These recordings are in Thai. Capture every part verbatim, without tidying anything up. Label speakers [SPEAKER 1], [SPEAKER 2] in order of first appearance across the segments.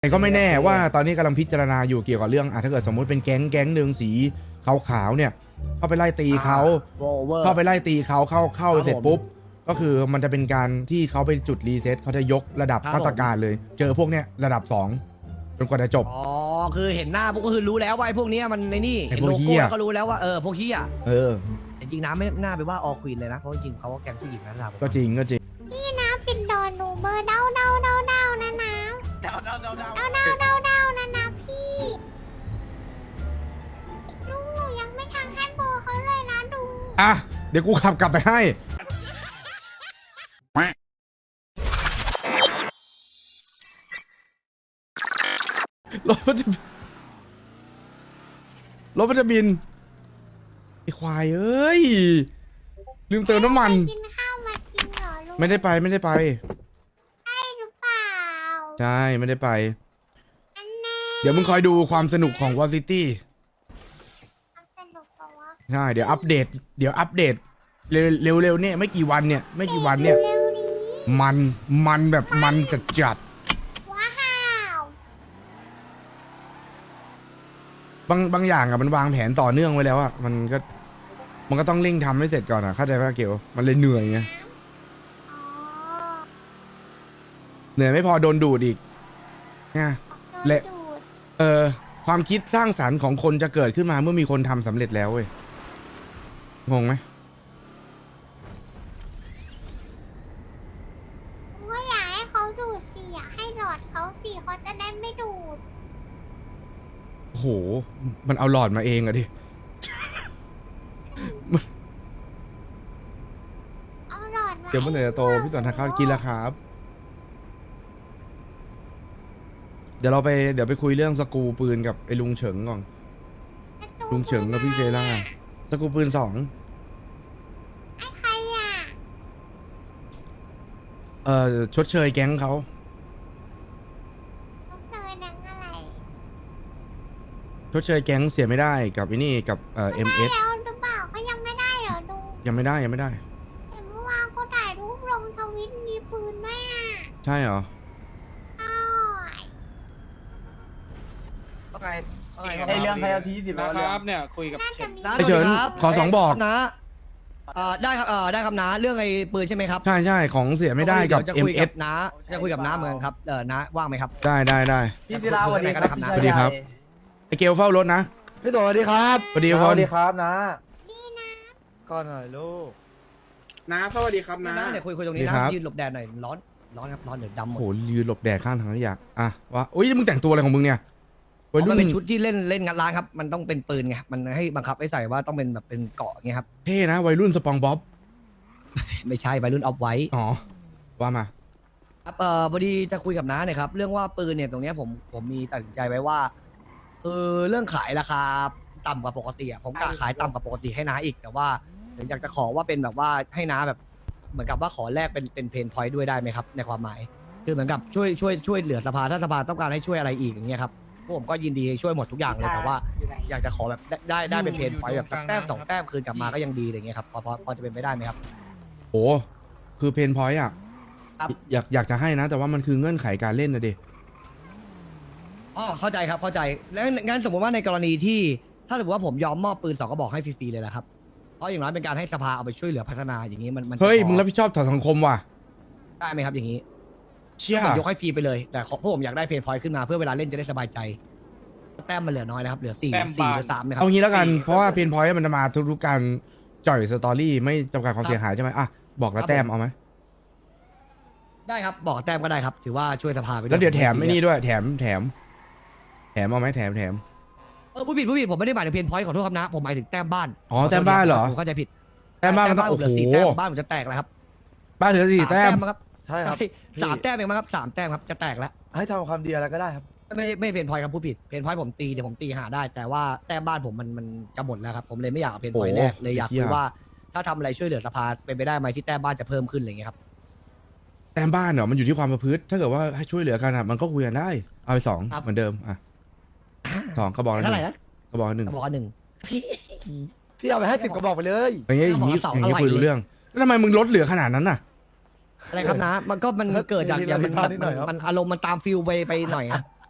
[SPEAKER 1] แต่ก็ไม่แน่ว่าตอนนี้กำลังพิจารณาอยู่เกี่ยวกับเรื่องอ่ะถ้าเกิดสมมุติเป็นแก๊งแก๊งหนึ่งสีขาวๆเนี่ยเข้าไปไล่ตีเขาเข้าไปไล่ตีเขาเข้าเข้าเสร็จปุ๊บก็คือมันจะเป็นการที่เขาไปจุดรีเซ็ตเขาจะยกระดับมาตรการเลย เจอพวกเนี้ยระดับสองจนกว่าจะจบ
[SPEAKER 2] อ๋อคือเห็นหน้าพวกก็คือรู้แล้วว่าไอ้พวกเนี้ยมันในนี่เห็นโลโก้ก็รู้แล้วว่าเออพวกเฮีย
[SPEAKER 1] เออ
[SPEAKER 2] จริงๆนะไม่น่าไปว่าออควีนเลยนะเพราะจริงๆเขาก็แก๊งผู้หญิงนะเรา
[SPEAKER 1] ก็จริงก็จริง
[SPEAKER 3] พี่น้ำเป็นดอนหนูเบอร์เด้าเด้าเด้าเด้านะน้ำเด้าเด้าเด้าเด้าเด้าเด้าเด้าเด้านะนะพี่ลุงหนูยังไม่ทางให้โบเขาเลยนะลุง
[SPEAKER 1] อ่ะเดี๋ยวกูขับกลับไปให้รถมันจะรถมันจะบินไอควายเอ้ยลืมเติมน้ำมัน
[SPEAKER 3] กินข้าวมากินเหรอลุง
[SPEAKER 1] ไม่ได้ไปไม่ได้ไป
[SPEAKER 3] ใช่หรือเปล่า
[SPEAKER 1] ใช่ไม่ได้ไป
[SPEAKER 3] อันแน่
[SPEAKER 1] เดี๋ยวมึงคอยดูความสนุกของวอซิตี้
[SPEAKER 3] สนุกกว่า
[SPEAKER 1] ใช่เดี๋ยวอัปเดตเดี๋ยวอัปเดตเร็วเร็วเร็วเนี่ยไม่กี่วันเนี่ยไม่กี่วันเนี่ย
[SPEAKER 3] เร็วนี้
[SPEAKER 1] มันมันแบบมันจัดจัด
[SPEAKER 3] ว้าว
[SPEAKER 1] บางบางอย่างอะมันวางแผนต่อเนื่องไว้แล้วอะมันก็มันก็ต้องเร่งทำให้เสร็จก่อนอะเข้าใจป่ะเกียวมันเลยเหนื่อยไง
[SPEAKER 3] อ๋อ
[SPEAKER 1] เหนื่อยไม่พอโดนดูดอีกนะ
[SPEAKER 3] โดน
[SPEAKER 1] และ
[SPEAKER 3] ดูด
[SPEAKER 1] เออความคิดสร้างสรรค์ของคนจะเกิดขึ้นมาเมื่อมีคนทำสำเร็จแล้วเว้ยงงไหม
[SPEAKER 3] ผมก็อยากให้เขาดูดสิอยากให้หลอดเขาสิเขาจะได้ไม่ดูด
[SPEAKER 1] โอ้โหมันเอาหลอดมาเองอะดิ
[SPEAKER 3] เอาหลอดมา
[SPEAKER 1] เดี๋ยวเมื่อไหร่จะโตพี่สอนทานข้าวกินแล้วครับเดี๋ยวเราไปเดี๋ยวไปคุยเรื่องสกูปืนกับไอ้ลุงเฉิงก่อนลุงเฉิงกับพี่เซล่าสกูปืนสอง
[SPEAKER 3] ไอ้ใครอ่ะ
[SPEAKER 1] เอ่อชดเชยแก๊งเขา
[SPEAKER 3] ต้องเจอหนังอะไร
[SPEAKER 1] ชดเชยแก๊งเสียไม่ได้กับไอ้นี่กับเอ่อเอ็มเอส
[SPEAKER 3] ได้แล้วหรือเปล่าเขายังไม่ได้เหรอดู
[SPEAKER 1] ยังไม่ได้ยังไม่ได้
[SPEAKER 3] เห็นเมื่อวานเขาถ่ายรูปลงทวิตมีปืนด้วยอ่ะ
[SPEAKER 1] ใช่เหรอ
[SPEAKER 3] ใช่
[SPEAKER 2] ว่าไงว่าไง
[SPEAKER 4] ไอเรื่องใครเอาทีสิบ
[SPEAKER 5] นะ
[SPEAKER 4] แล้ว
[SPEAKER 5] ค
[SPEAKER 4] เรื่อง
[SPEAKER 5] รับเนี่ยคุยกับ
[SPEAKER 3] น่า
[SPEAKER 5] เช
[SPEAKER 3] จะ
[SPEAKER 5] น
[SPEAKER 3] มี
[SPEAKER 1] ไอ้เฉินขอสองบอก
[SPEAKER 2] นะเอ่อได้ครับเอ่อได้ครับนะเรื่องไอ้ปืนใช่ไหมครับ
[SPEAKER 1] ใช่ใช่ของเสียไม่ได้กับ
[SPEAKER 2] จะ
[SPEAKER 1] เอ็
[SPEAKER 2] คุ
[SPEAKER 1] ม
[SPEAKER 2] ย
[SPEAKER 1] เอ
[SPEAKER 2] กั
[SPEAKER 1] ส
[SPEAKER 2] บน้าจะคุยกับน้าเหมือนกันครับเออน้าว่างไหมครับ
[SPEAKER 1] ได้ได้ได้
[SPEAKER 4] พี่ศิลาสวัสดีครับ
[SPEAKER 2] สวัสดีครับ
[SPEAKER 1] ไอเกลเฝ้ารถนะ
[SPEAKER 4] พี่ตัวสวัสดีครับ
[SPEAKER 1] สวัสดี
[SPEAKER 4] ส
[SPEAKER 1] ค
[SPEAKER 4] วัน สดีครับนะ
[SPEAKER 3] นี่นะ
[SPEAKER 4] ก่อนหน่อยลูก
[SPEAKER 6] น้าสวัสดีครับน้า
[SPEAKER 2] น้าเดี๋ยวคุยคุยตรงนี้
[SPEAKER 1] ดี
[SPEAKER 2] นะครับ ยืนหลบแดดหน่อยร้อนร้อนครับร้อนเดี๋ยวดำหม
[SPEAKER 1] โอ้
[SPEAKER 2] ด
[SPEAKER 1] โหยืนหลบแดดข้างทางขยะอ่ะวะอุ้ยมึงแต่งตัวอะไรของมึงเนี่ยวัย
[SPEAKER 2] เพ
[SPEAKER 1] รุ่
[SPEAKER 2] ราะ
[SPEAKER 1] น
[SPEAKER 2] มันเป็นชุดที่เล่นเล่นงานร้านครับมันต้องเป็นปืนไงมันให้บังคับให้ใส่ว่าต้องเป็นแบบเป็นเกาะไงครับ
[SPEAKER 1] เท่นะวัยรุ่นสปองบ๊อบ
[SPEAKER 2] ไม่ใช่วัยรุ่นเอาไว้
[SPEAKER 1] อ๋อว่ามา
[SPEAKER 2] ครับเอ่อพอดีจะคุยกับน้าเนี่ยครับเรื่องว่าปืนเนี่ยตรงเนี้ยผมผมมีตัดสินใจไว้ว่าคือเรื่องขายราคาต่ำกว่าปกติอ่ะผมกะขายต่ำกว่าปกติให้น้าอีกแต่ว่าเดี๋ยวอยากจะขอว่าเป็นแบบว่าให้น้าแบบเหมือนกับว่าขอแลกเป็นเป็นเพนพอยต์ด้วยได้ไหมครับในความหมายคือเหมือนกับช่วยช่วยช่วยเหลือสภาถ้าสภาต้องการให้ช่วยอะไรอีกอย่างเงี้ยครับพวกผมก็ยินดีช่วยหมดทุกอย่างเลยแต่ว่าอยากจะขอแบบได้ได้ได้เป็นเพนพอยต์แบบสักแต้มสองแต้มคืนกลับมาก็ยังดีอะไรเงี้ยครับพอพอพอจะเป็นไปได้ไหมครับ
[SPEAKER 1] โอ้คือเพนพอยต์อ่ะ
[SPEAKER 2] ครับ
[SPEAKER 1] อยากอยากจะให้นะ แต่ว่ามันคือเงื่อนไขการเล่นนะเด็
[SPEAKER 2] อ๋อเข้าใจครับเข้าใจแล้วงั้นสมมติว่าในกรณีที่ถ้าสมมติว่าผมยอมมอบปืนสองกระบอกให้ฟรีๆเลยนะครับเพราะอย่างน้อยเป็นการให้สภาเอาไปช่วยเหลือพัฒนาอย่างนี้มันมัน
[SPEAKER 1] เฮ้ย
[SPEAKER 2] จะพอ
[SPEAKER 1] มึงรับผิดชอบต่อสังคมว่ะ
[SPEAKER 2] ได้ไหมครับอย่างนี้
[SPEAKER 1] เชี่ย
[SPEAKER 2] ผมยกให้ฟรีไปเลยแต่ขอพวกผมอยากได้เพนพอยต์ขึ้นมาเพื่อเวลาเล่นจะได้สบายใจแต้มมันเหลือน้อยนะครับเหลือสี่สี่หรือสามนะครั
[SPEAKER 1] เอางี้แล้วกันเพราะว่าเพนพอยต์มันจะมาทุกๆการจ่อยสตอรี่ไม่จำกัดความเสียหายใช่ไหมอ่ะบอกละแต้มเอาไหม
[SPEAKER 2] ได้ครับบอกแต้มก็ได้ครับ ถือว่าช่วยสภาไปด้วย
[SPEAKER 1] แล้วเดี๋ยวแถมไอ้นี่ด้วยแถมแถมแถมเอาไหมแถมแถม
[SPEAKER 2] เออผู้ผิดผู้ผิดผมไม่ได้หมายถึงเพนพอยต์ขอโทษครับนะผมหมายถึงแต้มบ้าน
[SPEAKER 1] อ๋อแต้มบ้านเหรอ
[SPEAKER 2] ผมเข้าใจผิด
[SPEAKER 1] แต้มบ้านมันต้อง
[SPEAKER 2] ผ
[SPEAKER 1] โอ้
[SPEAKER 2] เหลือ
[SPEAKER 1] โห
[SPEAKER 2] สี่แต้มบ้านผมจะแตกแล้วครับ
[SPEAKER 1] บ้านเหลือสี่แต้ม
[SPEAKER 2] มั้งครับ
[SPEAKER 4] ใช่ครับ
[SPEAKER 2] สามแต้มเองมั้งครับสามแต้มครับจะแตกแล้ว
[SPEAKER 4] ให้ทำความดีอะไรก็ได้ครับ
[SPEAKER 2] ไม่ไม่เพนพอยต์ครับผู้ผิดเพนพอยต์ผมตีเดี๋ยวผมตีหาได้ แต่ว่าแต้มบ้านผมมันมันจะหมดแล้วครับผมเลยไม่อยากเอาเพนพอยต์แรกเลยอยากคุยว่าถ้าทำอะไรช่วยเหลือสภาเป็นไปได้ไหมที่แต้มบ้านจะเพิ่มขึ้นอะไรเงี้ยครับ
[SPEAKER 1] แต้มบ้านเหรอมันอยู่ที่ความประพฤติถ้าเกิดว่าให้ช่วยเหลือกันอ่ะมันก็คุยกันได้เอาไปสองเหมือนเดิมอ่ะสองกระบอกละห
[SPEAKER 2] เท่าไห
[SPEAKER 1] นึ่
[SPEAKER 2] ร่
[SPEAKER 1] ง
[SPEAKER 2] นะ
[SPEAKER 1] กระบอกละหนึ่ง
[SPEAKER 2] บอกว่าหนึ่ง
[SPEAKER 4] พี่เอาไปให้สิบกระบอกไปเลย
[SPEAKER 1] อย่างเงี้ยอย่างงี้
[SPEAKER 2] กระบอกละสอง
[SPEAKER 1] อย่างเงี้ย
[SPEAKER 2] อะไร
[SPEAKER 1] คุยรู้เรื่องแล้วทำไมมึงลดเหลือขนาดนั้นน่ะ
[SPEAKER 2] อะไรครับนะมันก็มันเกิดจากอย่างมันมันมันอารมณ์มันตามฟิลไปไปหน่อยครับ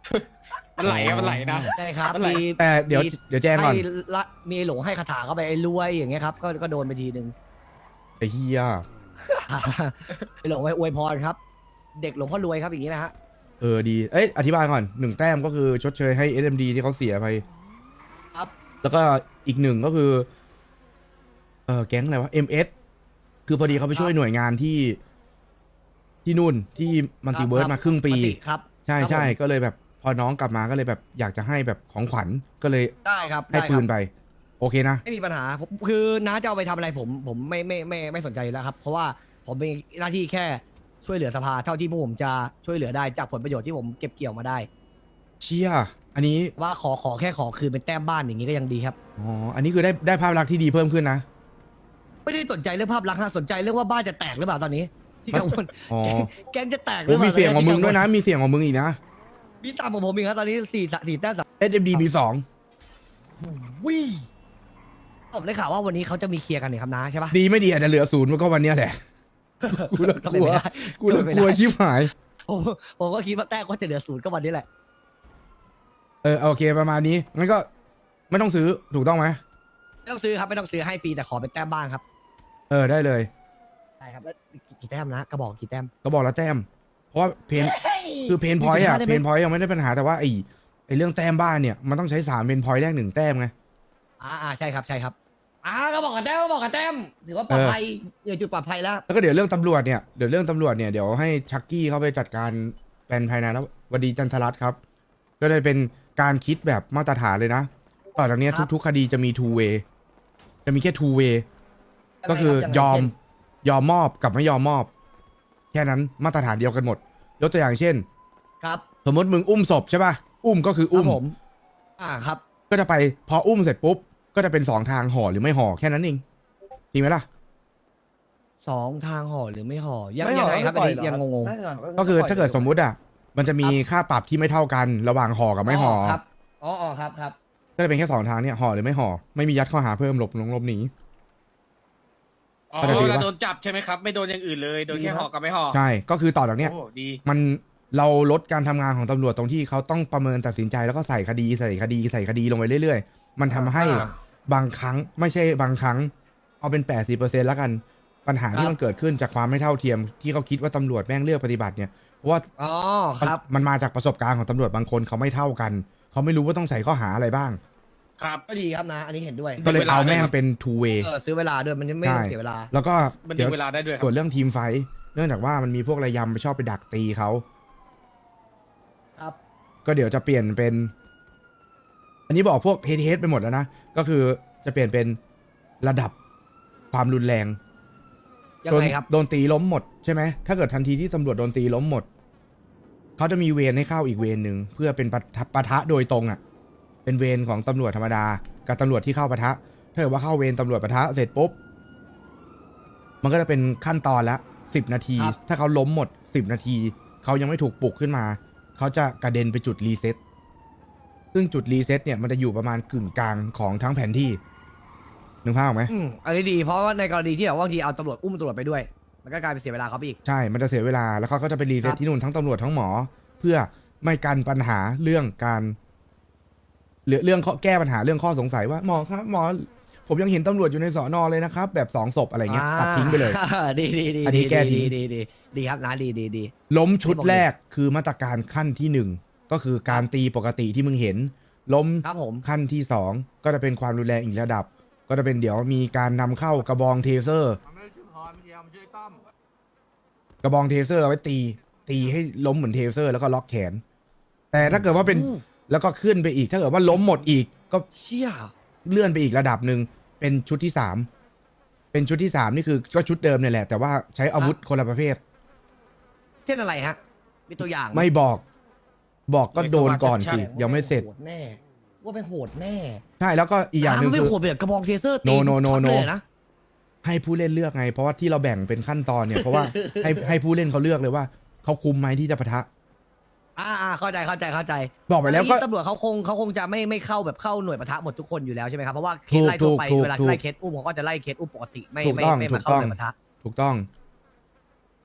[SPEAKER 5] มันไหลอะมันไหลนะ
[SPEAKER 2] ใช่ครับ
[SPEAKER 5] อะไร
[SPEAKER 2] มี
[SPEAKER 1] แต่เดี๋ยว
[SPEAKER 2] มี
[SPEAKER 1] เดี๋ยวแจ้งก่อน
[SPEAKER 2] ให้ละมีไอ้หลงให้คาถาเข้าไปไอ้รวยอย่างเงี้ยครับก็ก็โดนไปทีนึง
[SPEAKER 1] ไอ้เฮีย
[SPEAKER 2] ไอ้หลงไปอวยพรครับ เด็กหลวงพ่อรวยครับอย่างนี้นะฮะ
[SPEAKER 1] เออดีเอ้ยอธิบายก่อนหนึ่งแต้มก็คือชดเชยให้ เอส เอ็ม ดี ที่เขาเสียไป
[SPEAKER 2] ครับ
[SPEAKER 1] แล้วก็อีกหนึ่งก็คือเออแก๊งอะไรวะ เอ็ม เอส คือพอดีเขาไปช่วยหน่วยงานที่ ที่นู่นที่มันติเวิร์สมาครึ่งปี
[SPEAKER 2] ครับ
[SPEAKER 1] ใช่
[SPEAKER 2] ครับ
[SPEAKER 1] ใช่
[SPEAKER 2] ผม
[SPEAKER 1] ก็เลยแบบพอน้องกลับมาก็เลยแบบอยากจะให้แบบของขวัญก็เลย
[SPEAKER 2] ได้ครับ
[SPEAKER 1] ให้
[SPEAKER 2] ได้
[SPEAKER 1] ปื
[SPEAKER 2] ครั
[SPEAKER 1] น
[SPEAKER 2] บ
[SPEAKER 1] ไป โอเคนะ
[SPEAKER 2] ไม่มีปัญหาผมคือน้าจะเอาไปทำอะไรผมผมไม่ไม่ไม่ไม่สนใจอยู่แล้วครับ เพราะว่าผมมีหน้าที่แค่ช่วยเหลือสภาเท่าที่พวกผมจะช่วยเหลือได้จากผลประโยชน์ที่ผมเก็บเกี่ยวมาได้
[SPEAKER 1] เชี่ยอันนี้
[SPEAKER 2] ว่าขอขอแค่ขอคืนเป็นแต้มบ้านอย่างนี้ก็ยังดีครับ
[SPEAKER 1] อ๋ออันนี้คือได้ได้ภาพลักษณ์ที่ดีเพิ่มขึ้นนะ
[SPEAKER 2] ไม่ได้สนใจเรื่องภาพลักษณ์ฮะสนใจเรื่องว่าบ้านจะแตกหรือเปล่าตอนนี้ ที่กังวล
[SPEAKER 1] อ๋อ
[SPEAKER 2] แก๊งจะแตกห
[SPEAKER 1] โอ้
[SPEAKER 2] รือเปล่า
[SPEAKER 1] มีเสียงของมึงด้วยนะ
[SPEAKER 2] ที่กั
[SPEAKER 1] มีเสียงของมึงอีกนะ
[SPEAKER 2] วลมีตามของผมอีกครับตอนนี้สี่สี่แต้มสาม
[SPEAKER 1] เอส เอ็ม ดี มีสอง
[SPEAKER 2] วิผมได้ข่าวว่าวันนี้เขาจะมีเคลียร์กันเนี่ยครับน้าใช่ปะ
[SPEAKER 1] ดีไม่ดีอาจจะเหลือศูนย์มันก็วันเนี้ยแหละ กูเลิก
[SPEAKER 2] ก็
[SPEAKER 1] ก
[SPEAKER 2] เป็น
[SPEAKER 1] ลัว
[SPEAKER 2] ไปได้
[SPEAKER 1] กูเลิก
[SPEAKER 2] ก็เป็น
[SPEAKER 1] กลัว
[SPEAKER 2] ไปได้
[SPEAKER 1] ชิบหาย
[SPEAKER 2] ผมผมก็คิดว่าแต้มก็จะเหลือศูนย์ก็วันนี้แหละ
[SPEAKER 1] เออโอเคประมาณนี้งั้นก็ไม่ต้องซื้อถูกต้องไหม
[SPEAKER 2] ไม่ต้องซื้อครับไม่ต้องซื้อให้ฟรีแต่ขอเป็นแต้มบ้านครับ
[SPEAKER 1] เออได้เลย
[SPEAKER 2] ใช่ครับแล้วกี่แต้มนะกระบอกกี่แต้ม
[SPEAKER 1] ก็บอกแล้วแต้ม เพราะว่าเพนคือเพนพอยต์อะ
[SPEAKER 2] ได้ไห
[SPEAKER 1] เพ
[SPEAKER 2] ม
[SPEAKER 1] นพอยต์ยังไม่ได้ปัญหาแต่ว่าไอไอเรื่องแต้มบ้านเนี่ยมันต้องใช้สามเพนพอยต์แรกหนึ่งแต้มไง
[SPEAKER 2] อ่าอ่าใช่ครับใช่ครับอ่าก็บอกกับแต้มก็บอกกับแต้มถือว่าปลอดภัยอยู่จุดปลอดภัยแล้ว
[SPEAKER 1] แล้วก็เดี๋ยวเรื่องตำรวจเนี่ยเดี๋ยวเรื่องตำรวจเนี่ยเดี๋ยวให้ชักกี้เขาไปจัดการแปลนภายในแล้ววดีจันทรัตน์ครับ ก็เลยเป็นการคิดแบบมาตรฐานเลยนะ ต่อจากเนี้ย
[SPEAKER 2] ครับ
[SPEAKER 1] ทุกๆคดีจะมี two way จะมีแค่ two way ก็คือยอมยอมมอบกับไม่ยอมมอบ แค่นั้นมาตรฐานเดียวกันหมด ยกตัวอย่างเช่น
[SPEAKER 2] ครับ
[SPEAKER 1] สมมติมึงอุ้มศพใช่ป่ะ อุ้มก็คือ
[SPEAKER 2] อุ้
[SPEAKER 1] อุ้
[SPEAKER 2] ม
[SPEAKER 1] ม
[SPEAKER 2] ผม อ่าครับ
[SPEAKER 1] ก็จะไปพออุ้มเสร็จปุ๊บ ก็จะเป็นสองทางห่อหรือไม่ห่อแค่นั้นเองจริงไหมล่ะ
[SPEAKER 2] สองทางห่อหรือไม่ห่อยัง
[SPEAKER 4] ม่
[SPEAKER 2] ยัง
[SPEAKER 4] ห่
[SPEAKER 2] ไงครับ
[SPEAKER 4] ก็
[SPEAKER 2] อัน
[SPEAKER 4] ปล่
[SPEAKER 2] นี้
[SPEAKER 4] เหร
[SPEAKER 2] ยังงง
[SPEAKER 4] ไม่ห่
[SPEAKER 1] ก็คือ
[SPEAKER 4] ปล่ย
[SPEAKER 1] ถ้าเกิดสมมุติอ่ะมันจะมีค่าปรับที่ไม่เท่ากันระหว่างห่อกับ
[SPEAKER 2] ๆ
[SPEAKER 1] ไม่ห่อ
[SPEAKER 2] ครับอ๋ออ๋อครับครับ
[SPEAKER 1] ก็จะเป็นแค่สองทางเนี่ยห่อหรือไม่ห่อไม่มียัดข้อหาเพิ่มหลบหลงหลบหนี
[SPEAKER 5] อ๋อ
[SPEAKER 1] ก็จะถือว่า
[SPEAKER 5] เราโดนจับใช่ไหมครับ ไม่โดนอย่างอื่นเลย โดนแค่ห่อกับไม่ห่อ
[SPEAKER 1] ใช่ก็คือต่อจากเนี้ย
[SPEAKER 5] โอ้ดี
[SPEAKER 1] มันเราลดการทำงานของตำรวจตรงที่เขาต้องประเมินตัดสินใจแล้วก็ใส่คดีใส่คดีใส่คดีลงไปเรื่อยๆ มันทำให้
[SPEAKER 2] อ่า
[SPEAKER 1] บางครั้งไม่ใช่บางครั้ง เอาเป็นแปดสิบเปอร์เซ็นต์แล้วกันปัญหาที่
[SPEAKER 2] ครับ
[SPEAKER 1] มันเกิดขึ้นจากความไม่เท่าเทียม ที่เขาคิดว่าตำรวจแม่งเลือกปฏิบัติเนี่ยเพราะว่า
[SPEAKER 2] อ๋อครับ
[SPEAKER 1] มันมาจากประสบการณ์ของตำรวจบางคนเขาไม่เท่ากัน เขาไม่รู้ว่าต้องใส่ข้อหาอะไรบ้าง
[SPEAKER 5] ครับ
[SPEAKER 2] ก็ดีครับนะ อันนี้เห็นด้วย
[SPEAKER 1] ก็เลย
[SPEAKER 5] เวลา
[SPEAKER 1] เอาแม่ง
[SPEAKER 5] ด้วย
[SPEAKER 1] เป็น two way
[SPEAKER 2] เออซื้อเวลาด้วยมันไม่ต้องเสียเวลา
[SPEAKER 1] แล้วก็
[SPEAKER 5] มันดึ
[SPEAKER 1] เดี๋ยว
[SPEAKER 5] งเวลาได้ด้วยครั
[SPEAKER 1] ส่
[SPEAKER 5] บ
[SPEAKER 1] วนเรื่องทีมไฟท์เนื่องจากว่ามันมีพวกระยำไปชอบไปดักตีเขา
[SPEAKER 2] ครับ
[SPEAKER 1] ก็เดี๋ยวจะเปลี่ยนเป็น อันนี้บอกพวกเฮดเฮดไปหมดแล้วนะ ก็คือจะเปลี่ยนเป็นระดับความรุนแรง
[SPEAKER 2] ยัง
[SPEAKER 1] โดน
[SPEAKER 2] ไงครับ
[SPEAKER 1] โดนตีล้มหมดใช่ไหม ถ้าเกิดทันทีที่ตำรวจโดนตีล้มหมด เขาจะมีเวรให้เข้าอีกเวรหนึ่งเพื่อเป็นปะทะปะทะโดยตรงอ่ะ เป็นเวรของตำรวจธรรมดา กับตำรวจที่เข้าปะทะ ถ้าเกิดว่าเข้าเวรตำรวจปะทะเสร็จปุ๊บ มันก็จะเป็นขั้นตอนละสิบนาที
[SPEAKER 2] ครับ
[SPEAKER 1] ถ้าเขาล้มหมดสิบนาที เขายังไม่ถูกปลุกขึ้นมา เขาจะกระเด็นไปจุดรีเซ็ต ซึ่งจุดรีเซ็ตเนี่ยมันจะอยู่ประมาณกึ่งกลางของทั้งแผนที่ นึกภาพออกไหม
[SPEAKER 2] อืมอันนี้ดีเพราะว่าในกรณีที่แบบว่าบางทีเอาตำรวจอุ้มตำรวจไปด้วย มันก็กลายเป็นเสียเวลาเขาไปอีก
[SPEAKER 1] ใช่ มันจะเสียเวลา แล้วเขาก็จะไปรีเซ็
[SPEAKER 2] ค
[SPEAKER 1] ต
[SPEAKER 2] รับ
[SPEAKER 1] ที่นู่นทั้งตำรวจทั้งหมอ เพื่อไม่กันปัญหาเรื่องการหรือเรื่องข้อแก้ปัญหาเรื่องข้อสงสัยว่าหมอครับหมอ ผมยังเห็นตำรวจอยู่ในสอนอเลยนะครับ แบบสองศพอะไรเงี้ยตัดทิ้งไปเลย
[SPEAKER 2] อ่าดีดีดี
[SPEAKER 1] อันนี้แก้ทิ้
[SPEAKER 2] ดี
[SPEAKER 1] ง
[SPEAKER 2] ดีดีดีครับนะดีดีดี
[SPEAKER 1] ล้มชุด
[SPEAKER 2] ที่บอกเลย
[SPEAKER 1] แรกคือมาตรการขั้นที่หนึ่งก็คือการตีปกติที่มึงเห็น ล้ม
[SPEAKER 2] ครับผม
[SPEAKER 1] ขั้นที่สองก็จะเป็นความรุนแรงอีกระดับ ก็จะเป็นเดี๋ยวมีการนำเข้ากระบองเทเซอร์ กระบองเทเซอร์เอาไว้ตี ตีให้ล้มเหมือนเทเซอร์ แล้วก็ล็อกแขน แต่ถ้าเกิดว่าเป็น
[SPEAKER 2] อู้
[SPEAKER 1] แล้วก็ขึ้นไปอีก ถ้าเกิดว่าล้มหมดอีก ก็
[SPEAKER 2] เชี่ย
[SPEAKER 1] เลื่อนไปอีกระดับหนึ่งเป็นชุดที่สามเป็นชุดที่สามนี่คือก็ชุดเดิมเนี่ยแหละ แต่ว่าใช้อาวุธคนละประเภท
[SPEAKER 2] เช่นอะไรฮะ มีตัวอย่างห
[SPEAKER 1] ไม่บอก บอกก็โดนก่อนสิ
[SPEAKER 2] แสดว่า
[SPEAKER 1] ยังไม่เสร็จ
[SPEAKER 2] โหดแน่ ว่าเป็นโหดแน่
[SPEAKER 1] ใช่แล้วก็อีกอย่างหนึ่ง
[SPEAKER 2] มันไม่
[SPEAKER 1] คือ
[SPEAKER 2] โหดแบบกระบองเทเซอร์ตี
[SPEAKER 1] No, no, no,
[SPEAKER 2] ช็อต
[SPEAKER 1] no
[SPEAKER 2] เลยนะ
[SPEAKER 1] ให้ผู้เล่นเลือกไง เพราะว่าที่เราแบ่งเป็นขั้นตอนเนี่ย เพราะว่าให้ให้ผู้เล่นเขาเลือกเลยว่าเขาคุมไหมที่จะปะทะ
[SPEAKER 2] อ่าอ่าเข้าใจเข้าใจเข้าใจ
[SPEAKER 1] บอกไปแล้วก็
[SPEAKER 2] ตำรวจเขาคงเขาคงจะไม่ไม่เข้าแบบเข้าหน่วยปะทะหมดทุกคนอยู่แล้วใช่ไหมครับเพราะว่าเค
[SPEAKER 1] ถู
[SPEAKER 2] ส
[SPEAKER 1] ก
[SPEAKER 2] ไล่ทั่วไป
[SPEAKER 1] ถูก
[SPEAKER 2] เวลา
[SPEAKER 1] ถูก
[SPEAKER 2] ไล่เคสอุ้มเขาก็จะไล่เคสอุ้มปกติไม่
[SPEAKER 1] ถูก
[SPEAKER 2] ไม่
[SPEAKER 1] ต้อง
[SPEAKER 2] ไม่
[SPEAKER 1] ถู
[SPEAKER 2] มาก เข้า
[SPEAKER 1] ต้อง
[SPEAKER 2] หน่วยปะทะ
[SPEAKER 1] ถูกต้อง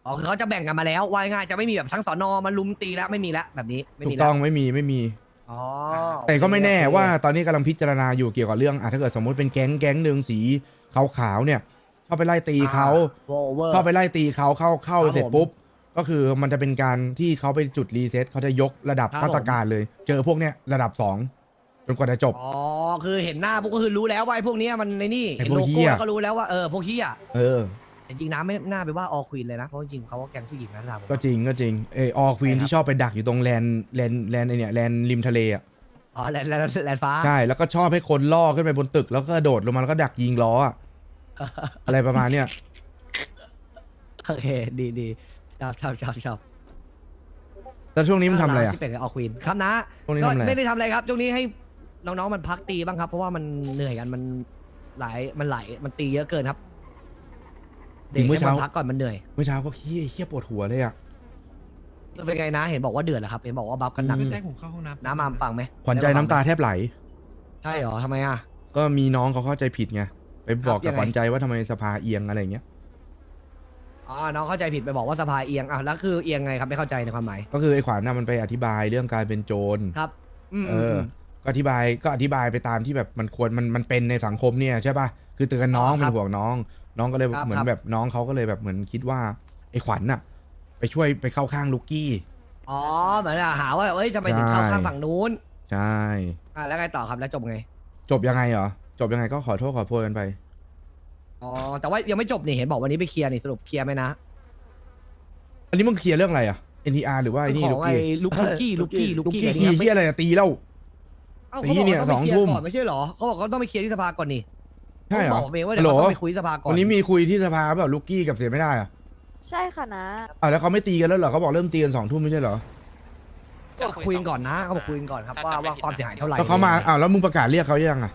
[SPEAKER 2] อ๋อคือเขาจะแบ่งกันมาแล้วว่าง่ายๆจะไม่มีแบบทั้งสอนอมาลุมตีแล้วไม่มีแล้วแบบนี้ไม่
[SPEAKER 1] ถู
[SPEAKER 2] มี
[SPEAKER 1] ก
[SPEAKER 2] แล้ว
[SPEAKER 1] ต้องไม่มีไม่มี
[SPEAKER 2] อ๋อ
[SPEAKER 1] แต่ก็ไม่แน่
[SPEAKER 2] โอเค
[SPEAKER 1] ว่าตอนนี้กำลังพิจารณาอยู่เกี่ยวกับเรื่องอ่ะถ้าเกิดสมมุติเป็นแก๊งแก๊งหนึ่งสีขาวๆเนี่ยเข้าไปไล่ตีเขา
[SPEAKER 2] โอเวอร์
[SPEAKER 1] เข้าไปไล่ตีเขาเข้าเข้า
[SPEAKER 2] ครับ
[SPEAKER 1] เสร็จ
[SPEAKER 2] ผม
[SPEAKER 1] ปุ๊บก็คือมันจะเป็นการที่เขาไปจุดรีเซ็ตเขาจะยกระดับ
[SPEAKER 2] ครับ
[SPEAKER 1] มาตรการเลย เจอพวกเนี้ยระดับสองจนกว่าจะจบ
[SPEAKER 2] อ๋อคือเห็นหน้าพวกก็คือรู้แล้วว่าไอ้พวกเนี้ยมันในนี่
[SPEAKER 1] ไอ้
[SPEAKER 2] เห็น
[SPEAKER 1] พวก
[SPEAKER 2] โล
[SPEAKER 1] เหี้
[SPEAKER 2] โก้
[SPEAKER 1] ย
[SPEAKER 2] แล้วก็รู้แล้วว่าเออพวกเฮีย
[SPEAKER 1] เออ
[SPEAKER 2] จริงๆนะไม่น่าไปว่าออควีนเลยนะเพราะจริงๆเขาก็แก๊งผู้หญิงนะสำหรับผม
[SPEAKER 1] ก็จริงก็จริงเอออควีน
[SPEAKER 2] ใช่ครับ
[SPEAKER 1] ที่ชอบไปดักอยู่ตรงแลนแลนแลนไอเนี่ยแลนริมทะเลอ่ะ
[SPEAKER 2] อ๋อแลนด์แลนด์แลนด์ฟ้า
[SPEAKER 1] ใช่แล้วก็ชอบให้คนล่อขึ้นไปบนตึก แล้วก็กระโดดลงมาแล้วก็ดักยิงล้ออะ อะไรประมาณเนี้ย
[SPEAKER 2] โอเคดีดีชอบชอบชอบชอบ
[SPEAKER 1] แล้วช่วงนี้มันทำอะไรอ่ะ
[SPEAKER 2] ที่เป็นออควีนครับนะ
[SPEAKER 1] ช่วงนี้
[SPEAKER 2] ก็
[SPEAKER 1] ทำอะไร
[SPEAKER 2] ไม่ได้ทำอะไรครับช่วงนี้ให้น้องๆมันพักตีบ้างครับ เพราะว่ามันเหนื่อยกันมันหลายมันไหลายมันตีเยอะเกินครับเด็กให้มันพักก่อนมันเหนื่อย
[SPEAKER 1] เมื่อเช้าก็เฮี้ยเฮี้ยปวดหัวเลยอ่ะ
[SPEAKER 2] เป็นไงนะเห็นบอกว่าเดือดเหรอครับเห็นบอกว่าบัฟกันหนัก
[SPEAKER 1] อืม
[SPEAKER 7] แรกผมเข้าห้องน้ำ
[SPEAKER 2] น้ำมามฟังไหม
[SPEAKER 1] ขวัญใจน้ำตาแทบไหล
[SPEAKER 2] ใช่เหรอทำไมอ่ะ
[SPEAKER 1] ก็มีน้องเขาเข้าใจผิดไงไปบอก
[SPEAKER 2] ยั
[SPEAKER 1] กับ
[SPEAKER 2] งไง
[SPEAKER 1] ขวัญใจว่าทำไมสภาเอียงอะไรอย่างเงี้ย
[SPEAKER 2] อ๋อน้องเข้าใจผิดไปบอกว่าสภาเอียงอ่ะแล้วคือเอียงไงครับไม่เข้าใจในความหมาย
[SPEAKER 1] ก็คือไอ้ขวัญน่ะมันไปอธิบายเรื่องการเป็นโจร
[SPEAKER 2] ครับอืม
[SPEAKER 1] เออ ก็อธิบายก็อธิบายไปตามที่แบบมันควรมันมันเป็นในสังคมเนี่ยใช่ป่ะคือเตือนน้องเป็นห่วงน้อง น้องก็เลยเหมือนแบบน้องเขาก็เลยแบบเหมือนคิดว่าไอ้ขวัญน่ะ ไปช่วยไปเข้าข้างลูกกี้
[SPEAKER 2] อ๋อเหมือนอะหาว่าเอ้ยจะไปถึงเข้าข้างฝั่งนู้น
[SPEAKER 1] ใช่
[SPEAKER 2] อ่ะแล้วไงต่อครับแล้วจบไง
[SPEAKER 1] จบยังไงเหรอจบยังไงก็ขอโทษขอโพยกันไป
[SPEAKER 2] อ๋อแต่ว่ายังไม่จบนี่เห็นบอกวันนี้ไปเคลียร์นี่สรุปเคลียร์ไหมนะ
[SPEAKER 1] อันนี้มึงเคลียร์เรื่องอะไรอ่ะ เอ็น ที อาร์ หรือว่าไอ้นี่
[SPEAKER 2] ข
[SPEAKER 1] ลู
[SPEAKER 2] อง
[SPEAKER 1] ก
[SPEAKER 2] ไอ้
[SPEAKER 1] กี้
[SPEAKER 2] ลูกกี้ลูกกี้ลูก
[SPEAKER 1] ลูก
[SPEAKER 2] กี้
[SPEAKER 1] กี้
[SPEAKER 2] อะไร
[SPEAKER 1] ขี้
[SPEAKER 2] เงี้ย
[SPEAKER 1] เฮี้ยอะไรอะตีเล่า
[SPEAKER 2] เอ้า
[SPEAKER 1] ตี
[SPEAKER 2] เขาบอก
[SPEAKER 1] เนี่ย
[SPEAKER 2] ว่าต้องไปเคลีย
[SPEAKER 1] สองทุ่
[SPEAKER 2] ร์
[SPEAKER 1] ม
[SPEAKER 2] ก่อนไม่ใช่เหรอเขาบอกเขาต้องไปเคลียร์ที่สภาก่อนนี่
[SPEAKER 1] ใช่เหรอ
[SPEAKER 2] เขาบอกผมเองว่า
[SPEAKER 1] ฮั
[SPEAKER 2] เดี๋
[SPEAKER 1] ล
[SPEAKER 2] ยว
[SPEAKER 1] โหล
[SPEAKER 2] เขาต้องไปคุยที่สภาก่อน
[SPEAKER 1] วันนี้มีคุยที่สภาเปล่าลูกกี้กับเสียไม่ได้อ่ะ
[SPEAKER 8] ใช่ค่ะนะ
[SPEAKER 1] อ่ะแล้วเขาไม่ตีกันแล้วเหรอเขาบอกเริ่มตีกันสองทุ่มไม่ใช่เหรอ
[SPEAKER 2] ก็คุยกันก่อนนะเขาบอกคุยกันก่อนครับว่าว่าความเสียหายเท่าไหร่
[SPEAKER 1] แล้วเขามาอ้าวแล้วมึงประกาศเรียกเขายังอ่ะ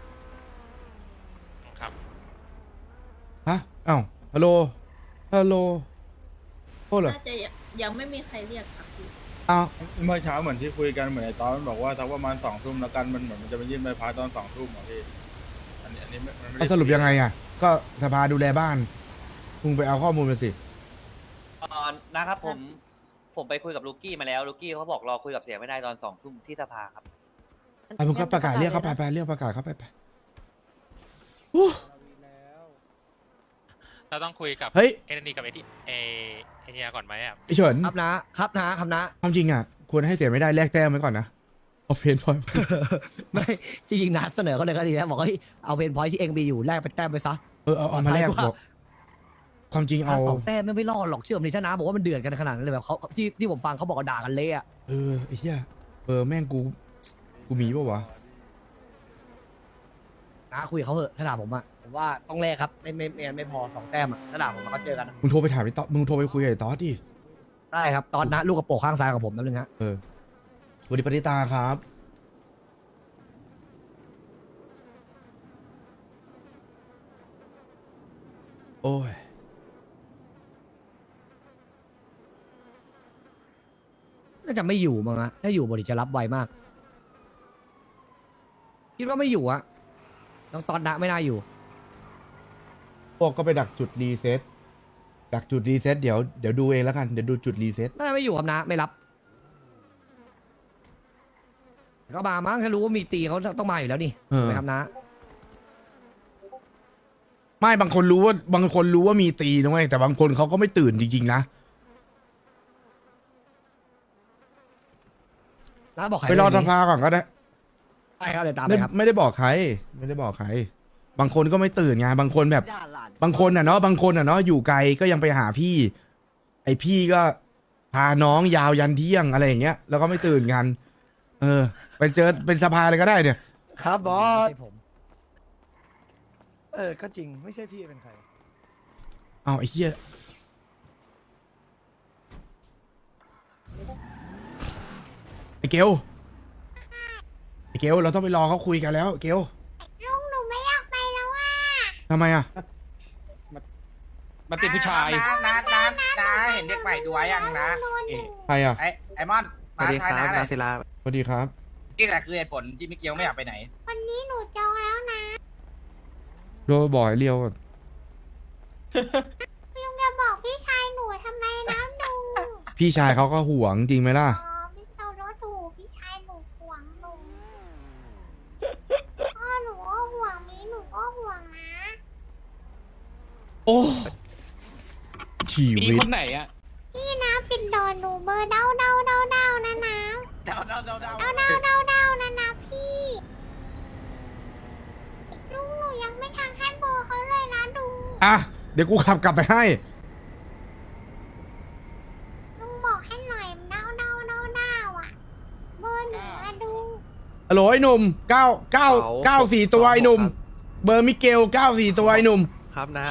[SPEAKER 5] ครับ
[SPEAKER 1] ฮะอ้าวฮัลโหลฮัลโหลโทษเหรอ
[SPEAKER 9] น่าจะยังไม่มีใครเรียกครับพี่
[SPEAKER 1] อ้าว
[SPEAKER 10] เมื่อเช้าเหมือนที่คุยกันเหมือนไอ้ตอนมันบอกว่าทักประมาณสองทุ่มแล้วกันมันเหมือนมันจะไปยื่นใบพัดตอนสองทุ่มเหรอพี่อันนี้อันนี้ไม่มันไม่
[SPEAKER 1] เอา
[SPEAKER 10] ได้
[SPEAKER 1] สรุปยังไงอ่ะ ก็สภาดูแลบ้านมึงไปเอาข้อมูลมาสิ
[SPEAKER 11] เอ่อนะครับผมผมไปคุยกับลูกี้มาแล้วลูกี้เขาบอกรอคุยกับเสียไม่ได้ตอนสองทุ่มที่สภาครับ
[SPEAKER 1] อ่ะมึงก็ประกาศเรียกเขาไปไปเรียกประกาศเขาไปไป
[SPEAKER 7] เราต้องคุยกับ
[SPEAKER 1] เฮ้ย
[SPEAKER 7] เอ็นดีกับไอที่เอไอเนียก่อนไหมอ่ะ
[SPEAKER 1] ไอเฉิน
[SPEAKER 2] ครับนะครับนะครับนะ
[SPEAKER 1] ความจริงอ่ะควรให้เสียไม่ได้แลกแต้มไว้ก่อนนะเอาเพนพอย
[SPEAKER 2] ไม่จริงๆนะเสนอเขาเลยก็ดีนะบอกเฮ้ยเอาเพนพอยที่เองมีอยู่แลกไปแต้มไปซะ
[SPEAKER 1] เออเอาเอามาแลกบอกความจริงเอา
[SPEAKER 2] ถ้าสองแต้มไม่ไม่รอดหรอกเชื่อผมดิถ้านะบอกว่ามันเดือดกันขนาดนั้นเลยแบบเขาที่ที่ผมฟังเขาบอกว่าด่ากันเละอะ
[SPEAKER 1] เออไอ้เหี้ยเออแม่งกูกูมีป่าวะ
[SPEAKER 2] นะคุยกับเขาเถอะถ้าด่าผมอะผมว่าต้องแลกครับไม่ไม่ไม่ไม่พอสองแต้มอะถ้าด่าผมมาก็เจอกันอะ
[SPEAKER 1] มึงโทรไปถามไอ้ต๊อดมึงโทรไปคุยกับไอ้ต๊อดดิ
[SPEAKER 2] ได้ครับตอนนะลูกกระโปรงข้างซ้ายของผมแป๊บนึงฮะ
[SPEAKER 1] เออสวัสดีปณิตาครับ โอ้ย
[SPEAKER 2] น่าจะไม่อยู่มั้งนะถ้าอยู่บริจะรับไวมาก คิดว่าไม่อยู่อะน้องตอนนะไม่น่าอยู่
[SPEAKER 1] พวกก็ไปดักจุดรีเซ็ตดักจุดรีเซ็ตเดี๋ยวเดี๋ยวดูเองแล้วกันเดี๋ยวดูจุดรีเซ็ต
[SPEAKER 2] น่าจะไม่อยู่ครับนะไม่รับก็มามั้งถ้ารู้ว่ามีตีเขาต้องมาอยู่แล้วนี่
[SPEAKER 1] เออ
[SPEAKER 2] ถูกไหมครับนะ
[SPEAKER 1] ไม่บางคนรู้ว่าบางคนรู้ว่ามีตีนะเว้ยแต่บางคนเขาก็ไม่ตื่นจริงๆนะ
[SPEAKER 2] นะบอกใคร
[SPEAKER 1] ไปรอส
[SPEAKER 2] เงนี้
[SPEAKER 1] ภาก่อนก็ได้
[SPEAKER 2] ใช่ครับเดี๋ยวตามไป
[SPEAKER 1] ไม่
[SPEAKER 2] ครับ
[SPEAKER 1] ไม่ได้บอกใคร ไม่ได้บอกใคร บางคนก็ไม่ตื่นไงบางคนแบบ บางคนอ่ะเนาะบางคนอ่ะเนาะอยู่ไกลก็ยังไปหาพี่ ไอพี่ก็พาน้องยาวยันเที่ยงอะไรอย่างเงี้ยแล้วก็ไม่ตื่นกัน เออ ไปเจอเป็นสภาเลยก็ได้เนี่ย
[SPEAKER 4] ครับบอส
[SPEAKER 2] ไม่ใช่ผม
[SPEAKER 4] เออ ก็จริงไม่ใช่พี่เป็นใคร
[SPEAKER 1] เอาไอ้เหี้ยไอ้เกลไอ้เกลเราต้องไปรอเขาคุยกันแล้ว เกล
[SPEAKER 3] ลุงหนูไม่อยากไปแล้วอ่ะ
[SPEAKER 1] ทำไมอ่ะ
[SPEAKER 5] มันติดผู้ชาย
[SPEAKER 12] นะนะนะนะเห็นเด็กใหม่ดูไว้ยังนะ
[SPEAKER 1] ใครอ่ะ
[SPEAKER 12] ไอไอมอนมาทายนะอะไร
[SPEAKER 1] สวัสดีครับ
[SPEAKER 12] นี่แหละคือเหตุผลที่มิเกลไม่อยากไปไหน
[SPEAKER 3] วันนี้หนูจองแล้วนะ
[SPEAKER 1] โดนบ่อยเรียวก่อน
[SPEAKER 3] ลุงจะบอกพี่ชายหนูทำไม
[SPEAKER 1] พี่ชายเขาก็ห่วงจริงไหมล่ะ
[SPEAKER 3] อ๋อพี่เจ้ารถถูกพี่ชายหนูห่วงหนูพ่อหนูก็ห่วงมีหนูก็ห่วงนะ
[SPEAKER 1] โอ้ชี
[SPEAKER 5] มี
[SPEAKER 1] วิต
[SPEAKER 5] คนไหนอะ
[SPEAKER 3] พี่นะปิดดอนหนูเบอร์เด้าเด้าเด้าเด้านะนะ
[SPEAKER 5] เดาเดาเดาเดา
[SPEAKER 3] เด้าเด้าเด้าเด้านะนะพี่ลุงหนูยังไม่ทางให้เบอร์เขาเลยนะลุง
[SPEAKER 1] อ่ะเดี๋ยวกูขับกลับไปให้
[SPEAKER 3] ลุงบอกให้หน่อยเด้าเด้าเด้าเด้าอ่ะเบอร์หนูอะดู
[SPEAKER 1] ฮัลโหลไอ้หนุ่มเก้าเก้าเก้าสี่ตัวไอ้หนุ่ม เบอร์มิเกลเก้าสี่ตัวไอ้หนุ่ม
[SPEAKER 4] ครับนะ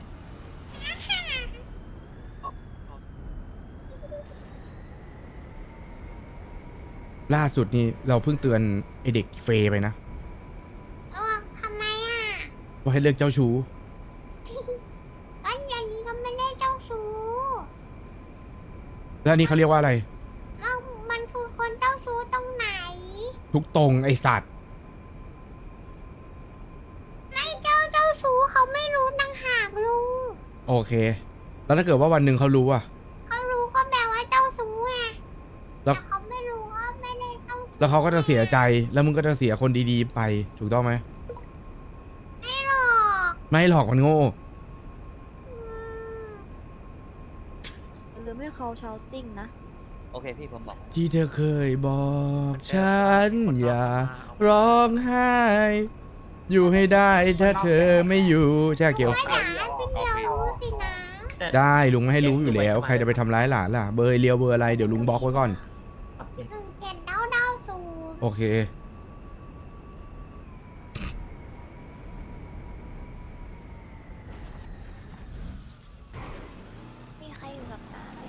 [SPEAKER 1] ล่าสุดนี้เราเพิ่งเตือนไอเด็กเฟย์ไปนะ
[SPEAKER 3] เออทำไมอ่ะ
[SPEAKER 1] ว่าให้เลิกเจ้าชู้
[SPEAKER 3] ก็อย่างนี้ก็ไม่ได้เจ้าชู้
[SPEAKER 1] แล้วอันนี้เขาเรียกว่าอะไร
[SPEAKER 3] แล้วมันคือคนเจ้าชู้ตรงไหน
[SPEAKER 1] ทุกตรงไอสัตว์
[SPEAKER 3] ไม่เจ้าเจ้าชู้เขาไม่รู้ต่างหากลุง
[SPEAKER 1] โอเค แล้วถ้าเกิดว่าวันหนึ่งเขารู้อะ
[SPEAKER 3] เขารู้ก็แปลว่าเจ้าชู้ไง
[SPEAKER 1] แล้
[SPEAKER 3] แต่
[SPEAKER 1] ว
[SPEAKER 3] เขาไม่รู้ว่าไม่ได้เจ้าชู้
[SPEAKER 1] แล้วเขาก็จะเสียใจ แล้วมึงก็จะเสียคนดีๆไป ถูกต้องไหม
[SPEAKER 3] ไม่หรอก
[SPEAKER 1] ไม่หรอกมันโง่
[SPEAKER 3] อืม
[SPEAKER 9] หรือไม่เขาเชาติ้งนะ
[SPEAKER 11] โอเคพี่ผมบอก
[SPEAKER 1] ที่เธอเคยบอกฉันอย่าร้องไห้ อยู่ให้ได้ถ้าเธอไม่อยู่ใช่เกี่ยว
[SPEAKER 3] ไม่หนาเป็นเดียวรู้สินะ
[SPEAKER 1] ได้ลุงไม่ให้รู้อยู่แล้ว ใครจะไปทำร้ายหลานล่ะ เบอร์เรียวเบอร์อะไรเดี๋ยวลุงบล็อกไว้ก่อน
[SPEAKER 3] หนึ่งเจ็ดเด้าเด้าศูนย์
[SPEAKER 1] โอเค
[SPEAKER 3] มีใครอยู่กับตาไหม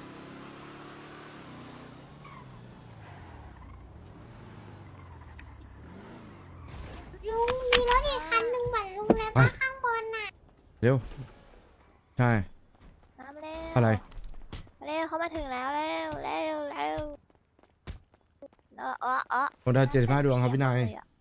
[SPEAKER 3] ลุงมีรถอีกคันหนึ่งเหมือนลุงเลย
[SPEAKER 1] ไป
[SPEAKER 3] ปะข้างบนน่ะ
[SPEAKER 1] เร็ว ใช่
[SPEAKER 3] น้ำเร็ว
[SPEAKER 1] อะไร
[SPEAKER 3] เร็วเขามาถึงแล้วเร็วเร็วเร็วเออเออเออ
[SPEAKER 1] คนดาวเจ็ดสิบห้าดวงครับพี่นาย
[SPEAKER 3] เลยอะ